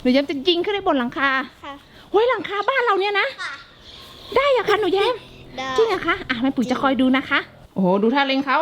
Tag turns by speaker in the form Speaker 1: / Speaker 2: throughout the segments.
Speaker 1: นูแย้มจะยิงขึ้นไปบนหลังคา
Speaker 2: ค่ะ
Speaker 1: เฮ้ยหลังคาบ้านเราเนี่ยนะได้อะคะหนูแย้มจริงอะคะแม่ปุ๋ยจะคอยดูนะคะโอ้โหดูท่าเล็งเขา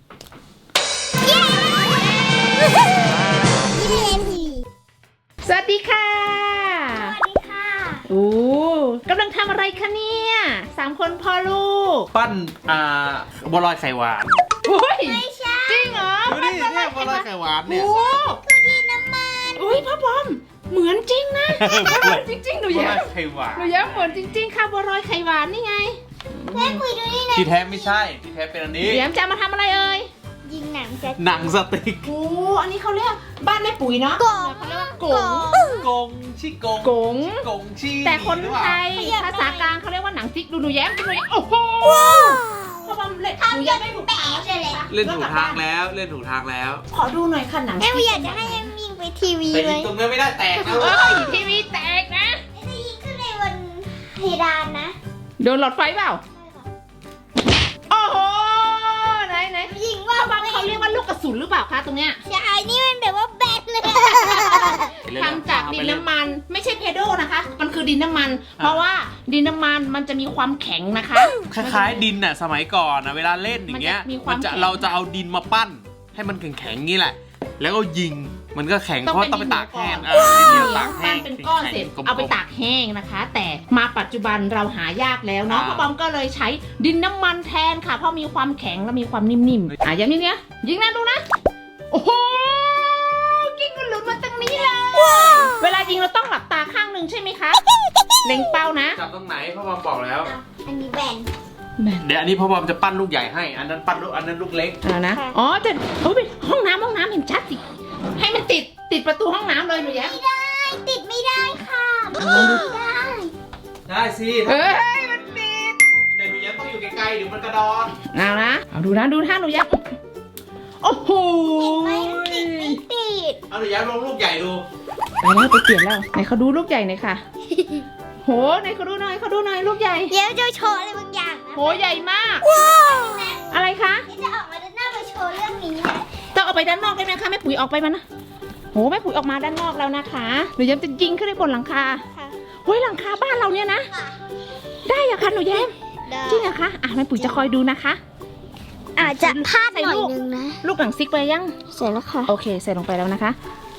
Speaker 1: สวัสดีค่ะ
Speaker 2: สวัสดีค่ะ
Speaker 1: โอ้กำลังทำอะไรคะเนี่ย3 คนพ่อลูก
Speaker 3: ปั้นบัวลอยไข่หวาน
Speaker 1: โอ้ย
Speaker 2: ไม่ใช่
Speaker 1: จริงเหรอ
Speaker 3: ดูดิเนี่ยบัวลอยไข่หวานเนี่ย
Speaker 1: โอ้
Speaker 2: คือดินน้ำมัน
Speaker 1: โอ้ยพ่อบอมเหมือนจริงนะเหมือนจริงๆหนู
Speaker 3: บัว
Speaker 1: แย้
Speaker 3: ลอย
Speaker 1: ม
Speaker 3: ไข่หวาน
Speaker 1: หนูแย้มเหมือนจริงๆค่ะบัวลอยไข่หวานนี่ไง
Speaker 2: แม่คุยดูนี่นะ
Speaker 3: ที่แท้ไม่ใช่ที่แท้เป็นอันนี้
Speaker 1: หนูแย้มจะมาทำอะไรเอ่ย
Speaker 2: ยิงหนังจะ
Speaker 3: หนังสติ๊ก
Speaker 1: โอ้อันนี้เขาเรียกบ้านแม่ปุ๋ยเนาะ
Speaker 2: กง
Speaker 1: เขาเรียกว่ากง
Speaker 3: กงชิกง
Speaker 1: กง
Speaker 3: กงชี
Speaker 1: แต่คนไทยภาษากลางเขาเรียกว่าหนังติ๊กดูหนูแย้มดูหนูแย้มโอ้โหพ่อบอมเล่นหนูแย้มไม่ถูกทางใช่ไหม
Speaker 3: เล่นถูกทางแล้วเล่นถูกทางแล้ว
Speaker 1: ขอดูหน่อยค่ะหนัง
Speaker 2: แม่อยากจะให้ยังยิงไปทีวี
Speaker 3: แต่
Speaker 2: เล
Speaker 3: ยิง
Speaker 2: ย
Speaker 3: ตรงนี้ไม่ได้แตกนะ
Speaker 1: เอ้ยทีวีแตกนะ
Speaker 2: จะยิงขึ้นในบนเพดานนะ
Speaker 1: โดนหลอดไฟเปล่าโอ้โหไหน
Speaker 2: ยิงว่า
Speaker 1: พ่อบอมเขาเรียกว่าลูกกระสุนหรือเปล่าคะตรงเนี้ย
Speaker 2: ใช่นี่มันแบบว่าแบตเลย
Speaker 1: ทำจากดินน้ำมันไม่ใช่เพโดนะคะ มันคือดินน้ำมัน เพราะว่าดินน้ำมันมันจะมีความแข็งนะคะ
Speaker 3: คล้ายๆดินน่ะสมัยก่อนนะเวลาเล่นอย่างเงี้ย
Speaker 1: มันจะมีความแข็ง
Speaker 3: เราจะเอาดินมาปั้น ให้มันแข็งๆงี้แหละ แล้วก็ยิงมันก็แข็งเพราะต้องไปตากแห้งดินเหนียวตากแห้
Speaker 1: ปั้น
Speaker 3: ง
Speaker 1: เป็นก้อนเสร็จ
Speaker 3: แข็งๆ
Speaker 1: เอาไป
Speaker 3: กลมๆ
Speaker 1: ตากแห้งนะคะ แต่มาปัจจุบันเราหายากแล้วเนาะ
Speaker 3: อ่า
Speaker 1: พ่อบอมก็เลยใช้ดินน้ำมันแทนค่ะ เพราะมีความแข็งและมีความนิ่มๆอย่างนี้เนี่ยยิงนะดูนะโอ้โหยิงกันหลุดมาตรงนี้เลยเวลายิงเราต้องหลับตาข้างหนึ่งใช่ไหมคะเล็งเป้านะ
Speaker 3: จับตรงไหนพ่อบอมบอกแล้ว
Speaker 2: อันนี้แบน
Speaker 3: เดี๋ยวอันนี้พ่อบอมจะปั้นลูกใหญ่ให้ อันนั้นปั้นลูกอันนั้นลูกเล็ก
Speaker 1: เอานะ
Speaker 2: ค่ะ
Speaker 1: อ๋อแต่เฮ้ยห้องน้ำเห็นชัดสิให้มันติดประตูห้องน้ำเลยหนูแย้ม
Speaker 2: ไม่ได้ติดไม่ได้ค่ะไม่ได้
Speaker 3: ได้สิ
Speaker 1: เฮ้ยมันติด
Speaker 3: แต่หนูยังต้องอยู่ไกลๆเดี๋ยวมันกระดอน
Speaker 1: เอานะเอาดูท่าหนูแย้มโอ้โห
Speaker 2: ไม่ติดไม่ติด
Speaker 3: เอาหนูยังลงลูกใหญ่ดู
Speaker 1: ไปแล้วไปเปลี่ยนแล้วไหนเขาดูลูกใหญ่หน่อยค่ะโหไหนเขาดูหน่อยลูกใหญ่
Speaker 2: เดี๋ยวจะโชว์อะไรบางอย่างนะ
Speaker 1: โหใหญ่มาก
Speaker 2: ว้าว
Speaker 1: อะไรคะ
Speaker 2: ที่จะออกมาด้านหน้ามาโชว์เรื่องนี้นะ
Speaker 1: ต้องเอาไปด้านนอกได้ไหมคะแม่ปุ๋ยออกไปมันนะโหแม่ปุ๋ยออกมาด้านนอกแล้วนะคะหนูแย้มจะยิงขึ้นไปบนหลังคา
Speaker 2: ค่ะ
Speaker 1: เฮ้ยหลังคาบ้านเราเนี่ยนะได้อะคะหนูแย้มจริงอะคะแม่ปุ๋ยจะคอยดูนะคะ
Speaker 2: อาจจะพลาดหน่อยนึงนะ
Speaker 1: ลูกหนังซิกไปยัง
Speaker 2: เสร็จแล้วค่ะ
Speaker 1: โอเคใส่ลงไปแล้วนะคะ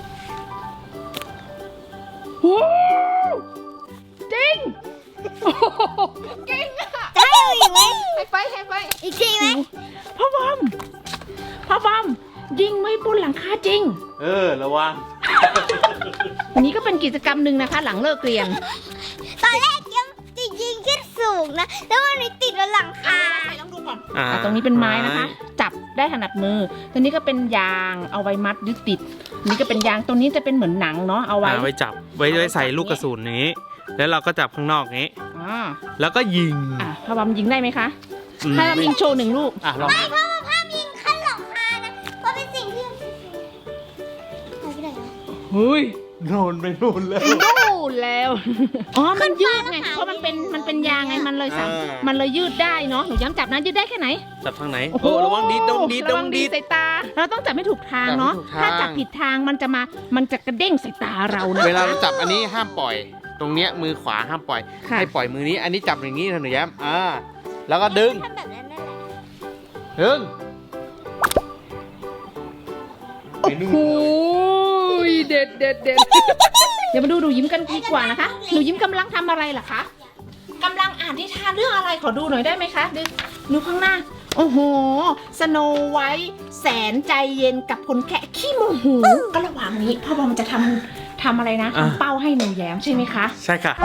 Speaker 1: โอ้จริงโอ้โหเก่งอะ
Speaker 2: จะให้เอาอีกไหม
Speaker 1: ให้ไฟ
Speaker 2: อีกทีไหม
Speaker 1: พ่อบอมยิงไม่บนหลังคาจริง
Speaker 3: ระวัง
Speaker 1: วันนี้ก็เป็นกิจกรรมหนึ่งนะคะ หลังเลิกเรียน
Speaker 2: ตอนแรกยังจะยิงขึ้นสูงนะ แล้วมันไปติดบนหลังคา
Speaker 1: ต้องดูก่อนตรงนี้เป็นไม้นะคะ จับได้ถนัดมือตัวนี้ก็เป็นยางเอาไว้มัดยึดติดนี่ก็เป็นยางตัวนี้จะเป็นเหมือนหนังเนาะเอาไว้
Speaker 3: ไว้จับไว้ใส่ลูกกระสุนนี้ แล้วเราก็จับข้างนอกนี้
Speaker 1: อ่า
Speaker 3: แล้วก็ยิง
Speaker 1: พ่อบอมยิงได้ไหมคะถ้าเรายิงโชว์1 ลูก
Speaker 3: ลอง
Speaker 2: ไม่เพราะว่าภาพยิงขั้นหลังคานะ เพราะเป็นสิ่งที่หายไปไหนอะ
Speaker 1: เฮ้ย
Speaker 3: โดนไปนู่นเลย
Speaker 1: ดูแล้วอ๋อมันยืดไงเพราะมันเป็นยางไงมันเลยมันเลยยืดได้เนาะหนูย้ำจับนะยืดได้แค่ไหน
Speaker 3: จับทางไหน
Speaker 1: โอ้โห
Speaker 3: ระวังดีดระวังดีด
Speaker 1: ระวังดีใส่ตา เราต้องจับให้ถูกทางเนาะ
Speaker 3: จับให้ถูกทาง
Speaker 1: ถ้าจับผิดทางมันจะกระเด้งใส่ตาเรานะ
Speaker 3: เวลาเราจับอันนี้ห้ามปล่อย ตรงเนี้ยมือขวาห้ามปล่อย
Speaker 1: ค่ะ
Speaker 3: ให้ปล่อยมือนี้ อันนี้จับอย่างนี้นะหนูแย้มแล้วก็ดึง
Speaker 2: ทำแบบนั้นนั่นแหละ
Speaker 3: ดึง
Speaker 1: โอ้โหเด็ดเดี๋ยวมาดูหนูยิ้มกันดีกว่านะคะหนูยิ้มกำลังทำอะไรล่ะคะกำลังอ่านนิทานเรื่องอะไรขอดูหน่อยได้ไหมคะดูข้างหน้าโอ้โหสโนไวท์แสนใจเย็นกับคนแค่ขี้โมโหก็ระหว่างนี้พ่อบอมจะทำอะไรนะทำเป้าให้หนูแย้มใช่ไหมคะ
Speaker 3: ใช่ค่ะ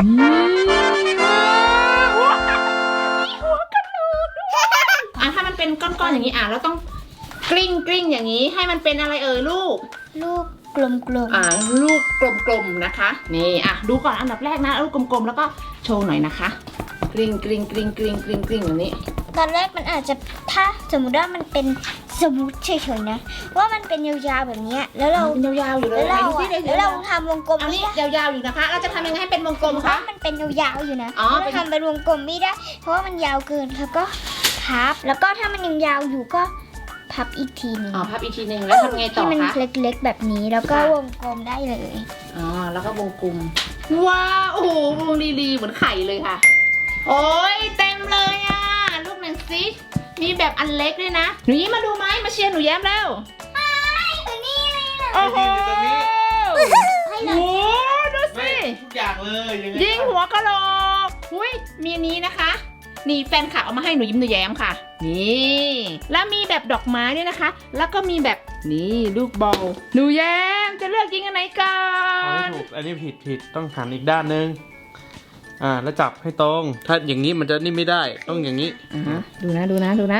Speaker 1: ถ้ามันเป็นก้อนๆอย่างนี้เราต้องกลิ้งอย่างนี้ให้มันเป็นอะไรลูก
Speaker 2: ลูกกลม
Speaker 1: ลูกกลมๆนะคะนี่ดูก่อนอันดับแรกนะลูกกลมๆแล้วก็โชว์หน่อยนะคะกลิ้งอย่างนี้
Speaker 2: ๆ ตอนแรกมันอาจจะถ้าสมมติว่ามันเป็นสมมติเฉยๆนะ ว่ามันเป็นยาวๆแบบเนี้ยแล้วเรา
Speaker 1: เป็นยาวๆอยู่เลย
Speaker 2: แล้วเรา
Speaker 1: ไหน
Speaker 2: อะ
Speaker 1: ดูสิ
Speaker 2: แล้วเราทำวงกลม
Speaker 1: อัน
Speaker 2: ไม่
Speaker 1: นี้
Speaker 2: ได้
Speaker 1: ยาวๆอยู่นะคะเราจะทำยังไงให้เป็นวงกลม
Speaker 2: เพ
Speaker 1: คะ
Speaker 2: ราะมันเป็นยาวๆอยู่นะ
Speaker 1: อ๋อ
Speaker 2: เราทำเป็นวงกลมไม่ได้ เพราะว่ามันยาวเกินแล้วก็พับแล้วก็ถ้ามันยังยาวอยู่ก็พัพับอีกทีหนึง
Speaker 1: อ๋อพับอีกทีหนึ่งแล้วทำไงต่
Speaker 2: ให้
Speaker 1: อ
Speaker 2: มัน
Speaker 1: คะ
Speaker 2: เล็กๆแบบนี้แล้วก็
Speaker 1: ค่ะ
Speaker 2: วงกลมได้เลย
Speaker 1: อ๋อแล้วก็วงกลมว้าวโอ้โหวงดีๆเหมือนไข่เลยค่ะ โอ้ยเต็มเลยอ่ะลูกหนึ่งสิมีแบบอันเล็กด้วยนะหนูยิ้มมาดูไหมมาเชียร์หนูแย้มแล้ว
Speaker 2: ตัวนี้เลยนะ
Speaker 1: โอ้โห
Speaker 3: อยู่ตรงนี้
Speaker 2: ให้
Speaker 1: โอ้
Speaker 2: เรา
Speaker 1: โหดู
Speaker 3: ไม่
Speaker 1: สิ
Speaker 3: ทุกอย่างเลยยังไง
Speaker 1: ยิงหัวกะโหลกอุ้ยมีอันนี้นะคะ นี่แฟนคลับเอามาให้หนูยิ้มหนูแย้มค่ะ นี่แล้วมีแบบดอกไม้ด้วยนะคะ แล้วก็มีแบบนี่ลูกบอลหนูแย้มจะเลือกยิงอันไหนก่อ
Speaker 3: เอาให้
Speaker 1: น
Speaker 3: ถูกอันนี้ผิดต้องหันอีกด้านนึงแล้วจับให้ตรง ถ้าอย่างนี้มันจะนี่ไม่ได้ต้องอย่างนี้
Speaker 1: ดูนะดูนะดูนะ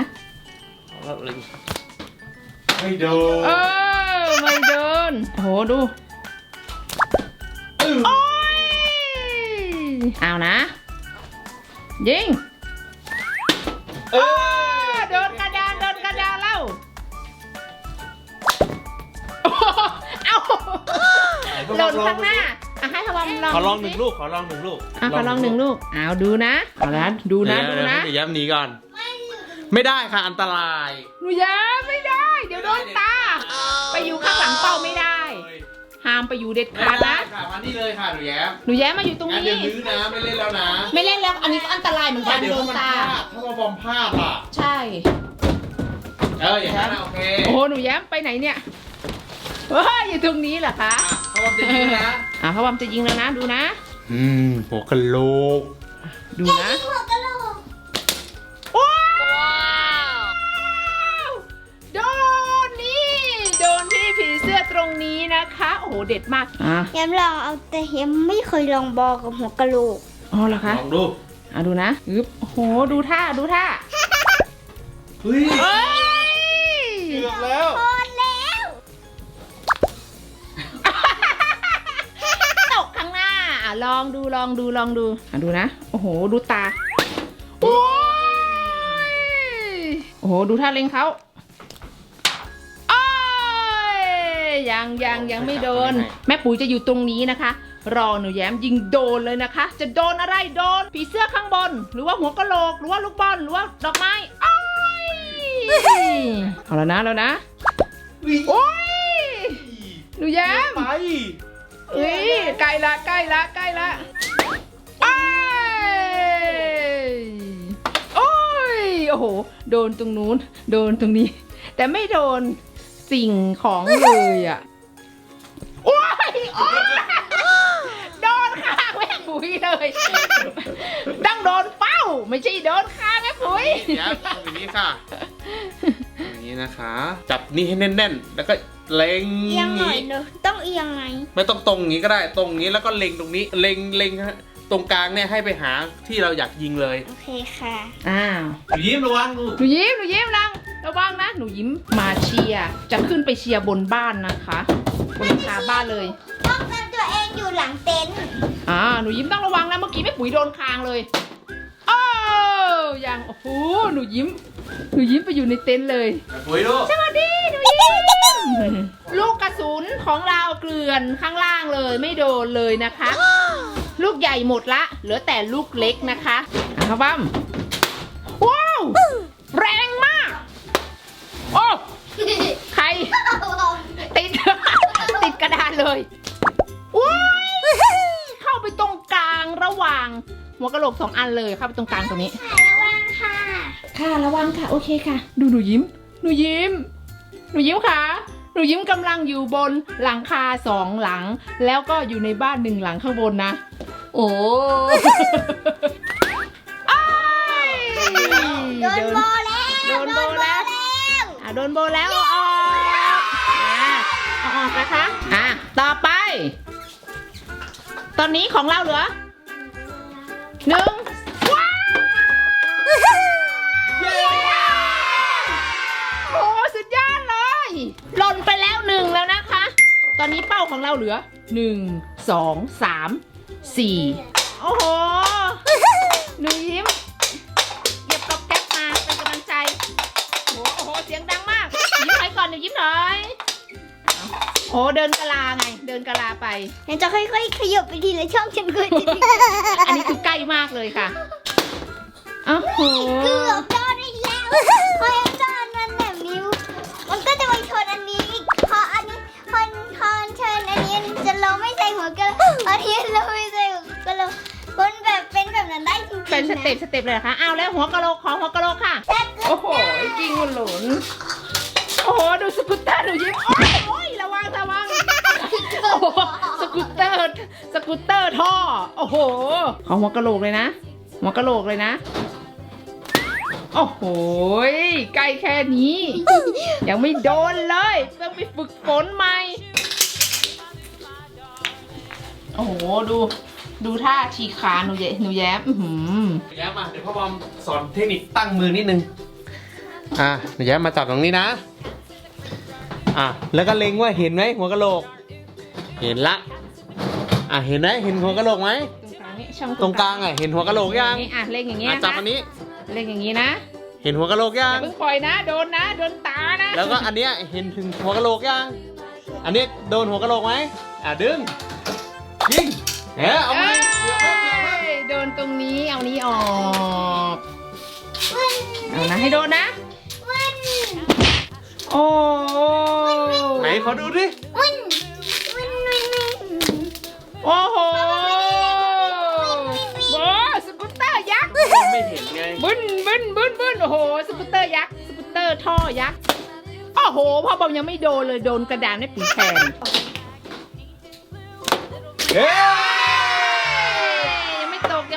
Speaker 3: ไม่โดน
Speaker 1: ไม่โดนโอ้โหดูโอ้ยเอานะ ยิงโดนกระดานโดนกระดานแล้วโอ้โหเอาหล่นข้างหน้าให้พวอมลอง
Speaker 3: ขอลองหนึ่งลูกขอลองหนึ่งลูก
Speaker 1: ขอลองหนึ่งลูกเอาดูนะเอาละดูนะดูนะ
Speaker 3: เดี๋ยวย้ำหนีก่อน ไม่ได้ค่ะอันตราย
Speaker 1: หนูย้มไม่ได้ เดี๋ยวโดนตา ไปอยู่ข้างหลังเป้าไม่ได้ ห้ามไปอยู่เด็ด
Speaker 3: ไม่
Speaker 1: ขาด
Speaker 3: ได้
Speaker 1: นะ
Speaker 3: ค่ะมานี่เลยค่ะหนูแย้ม
Speaker 1: หนูแย้มมาอยู่ตรง
Speaker 3: งั้น
Speaker 1: นี้
Speaker 3: เดี๋ยวลื้อนะไม่เล่นแล้วนะ
Speaker 1: ไม่เล่นแล้ว อันนี้ก็อันตรายเหมือนกัน
Speaker 3: เดี๋ยว
Speaker 1: โดน
Speaker 3: มัน
Speaker 1: ตา
Speaker 3: พลาดถ้ามาบอมพลาดอ่ะ
Speaker 1: ใช่
Speaker 3: อย่างนั้นโอเค
Speaker 1: โอ้โหหนูแย้มไปไหนเนี่ยว้าอยู่ตรงนี้เหรอคะ
Speaker 3: เขาบอกจะยิงนะ
Speaker 1: พระบอมจะยิงแล้วนะดูนะ
Speaker 3: หัวกะโหลก
Speaker 1: ดูนะ
Speaker 2: หัวกะโหลก
Speaker 1: ว้าวโดนนี่โดนที่ผีเสื้อตรงนี้นะคะ โอ้โหเด็ดมาก
Speaker 2: ย้มลองเอาแต่ย้มไม่เคยลองบอลกับหัวกะโหลก
Speaker 1: อ๋อเหรอคะ
Speaker 3: ลองดู
Speaker 1: ดูนะอึ๊บโอ้โหดูท่าดูท่า
Speaker 3: เฮ้ย
Speaker 1: เอ้ย
Speaker 3: เกือบแล้ว
Speaker 2: พอแล้ว
Speaker 1: ตกข้างหน้าลองดูลองดูลองดูดูนะโอ้โหดูตาโอ้ยโอ้โหดูท่าเล็งเขาโอ้ยยังไม่โดน แม่ปุ๋ยจะอยู่ตรงนี้นะคะ รอหนูแย้มยิงโดนเลยนะคะ จะโดนอะไรโดนผีเสื้อข้างบน หรือว่าหัวกะโหลกหรือว่าลูกบอลหรือว่าดอกไม้โอ้ยเอาแล้วนะโอ้ยหนูแย้ม
Speaker 3: ไป
Speaker 1: เอ้ยใกล้ละอ้ายโอ้ยโอ้โหโดนตรงนู้นโดนตรงนี้ แต่ไม่โดนสิ่งของเลยอ่ะโอ้ยโดนข้างแม่ปุ๋ยเลยต้องโดนเป้าไม่ใช่โดนข้างแม่ปุ๋ย
Speaker 3: เดี๋ยวทำอย่างนี้ค่ะอย่างนี้นะคะ จับนี่ให้แน่นๆแล้วก็เล็ง
Speaker 2: เอียงหน่อยเนอะต้องเอียงไหม
Speaker 3: ไม่ต้องตรงอย่างนี้ก็ได้ตรงนี้แล้วก็เล็งตรงนี้เล็งตรงกลางเนี่ยให้ไปหาที่เราอยากยิงเลย
Speaker 2: โอเคค่ะ
Speaker 1: อ้าว
Speaker 3: ยิ้มระวังลูก
Speaker 1: หนูยิ้มระวังนะหนูยิ้มมาเชียร์จะขึ้นไปเชียร์บนบ้านนะคะบนหลังคาบ้านเลย
Speaker 2: ป้องกันตัวเองอยู่หลังเต็นท์
Speaker 1: หนูยิ้มต้องระวังนะเมื่อกี้แม่ปุ๋ยโดนคางเลยโอ้ยังโอ้โหหนูยิ้มไปอยู่ในเต็นท์เลย
Speaker 3: ปุ๋ยลูก
Speaker 1: สวัสดีหนูยิ้มลูกกระสุนของเราเกลื่อนข้างล่างเลยไม่โดนเลยนะคะ ลูกใหญ่หมดละเหลือแต่ลูกเล็กนะคะครับบ้ามว้าวแรงมากโอ้ใครติดกระดานเลยว้าวเข้าไปตรงกลางระหว่างหัวกะโหลก2 อันเลยเข้าไปตรงกลางตรงนี้
Speaker 2: ระวังค่ะ
Speaker 1: ค่ะระวังค่ะโอเคค่ะดูหนูยิ้มค่ะหนูยิ้มกำลังอยู่บนหลังคา2 หลังแล้วก็อยู่ในบ้าน1 หลังข้างบนนะโอ้
Speaker 2: โดนโบแล้ว
Speaker 1: โดนโบแล้วเอาออกนะคะต่อไปตอนนี้ของเราเหลือ1ว้าวโอ้สุดยอดเลยหล่นไปแล้ว1แล้วนะคะ ตอนนี้เป้าของเราเหลือ1 2 3 4โอ้โหหนูยิ้มเก็บกับแก๊ปมาเป็นกำลังใจโอ้โหเสียงดังมากยิ้มหน่อยก่อนหนูยิ้มหน่อยโอ้เดินกะลาไงเดินกะลาไป
Speaker 2: เดี๋ยวจะค่อยๆขยับไปทีละช่องฉันเคยจะ
Speaker 1: อันนี้คือใกล้มากเลยค่ะโอ้โห
Speaker 2: เกือบโดนอีกแล้วพอยังโดนนั่นแบบนิ้วงี้ยเราไม่ใช่ก็เราคนแบบเป็นแบบนั้นได้จริงๆ
Speaker 1: เป็นสเต็ปเลยเหรอคะเอาแล้วหัวกะโหลกขอหัวกะโหลกค่ะ โอ้โหกิ้งหลุนโอ้โหดูสกูตเตอร์หนูยิ้มโอ้ยระวังโอ้โหสกูตเตอร์ท่อโอ้โหขอหัวกะโหลกเลยนะหัวกะโหลกเลยนะโอ้โหใกล้แค่นี้ ยังไม่โดนเลยต้องไปฝึกฝนใหม่โอ้โหดูท่าฉีกขาหนูแย้ม
Speaker 3: แย้มมาเดี๋ยวพ่อบอมสอนเทคนิคตั้งมือนิดนึงหนูแย้มมาจับตรงนี้นะแล้วก็เล็งว่าเห็นไหมหัวกะโหลกเห็นละเห็นไหมเห็นหัวกะโหลกไหมตรงกลางเห็นหัวกะโหลกยัง
Speaker 1: เล็งอย่างเงี้ย
Speaker 3: จับอันนี้
Speaker 1: เล็งอย่างงี้นะ
Speaker 3: เห็นหัวกะโหลกยัง
Speaker 1: อย่าเพิ่งปล่อยนะโดนตานะ
Speaker 3: แล้วก็อันเนี้ยเห็นถึงหัวกะโหลกยังอันนี้โดนหัวกะโหลกไหมดึงยิงเอาไหม
Speaker 1: โดนตรงนี้เอานี้ออกเอานะให้โดนนะโอ้
Speaker 3: ไหนขอดูดิ
Speaker 1: โอ้โหโอ้สกูตเตอร์ยักษ์
Speaker 3: ไม่เห็นไง
Speaker 1: บึ้นโอ้โหสกูตเตอร์ยักษ์สกูตเตอร์ท่อยักษ์โอ้โหพ่อบอมยังไม่โดนเลยโดนกระดานไม่ปีแทนยังไม่ตก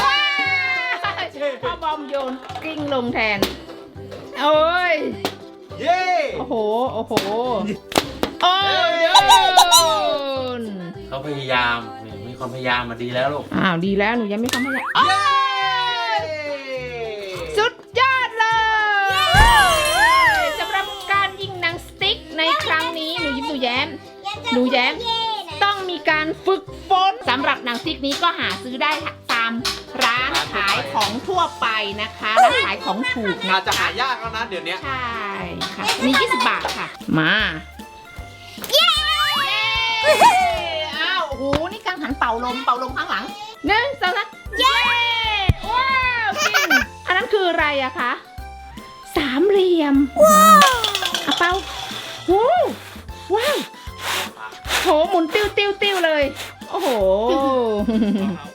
Speaker 1: พ่อบอมโยนกลิ้งลงแทนโอ้ยโอ้โหโอ้ย
Speaker 3: เขาพยายามมีความพยายามมาดีแล้วลูก
Speaker 1: ดีแล้วหนูยังไม่ทำอะไรสุดยอดเลยสำหรับการยิงหนังสติ๊กในครั้งนี้หนูแย้มต้องมีการฝึกฝนสำหรับหนังสติ๊กนี้ก็หาซื้อได้ตามร้านขายของทั่วไปนะคะร้านขายของถูก
Speaker 3: อาจจะหายากแล้วนะเดี๋ยวนี้
Speaker 1: ใช่ค่ะมี20 บาทค่ะมาอ้าวโอ้โหนี่กังหันเป่าลมข้างหลัง1 2 3เย้ว้าวจริงอันนั้นคืออะไรอะคะสามเหลี่ยมเป่าว้าวโหหมุนติ้วเลยโอ้โห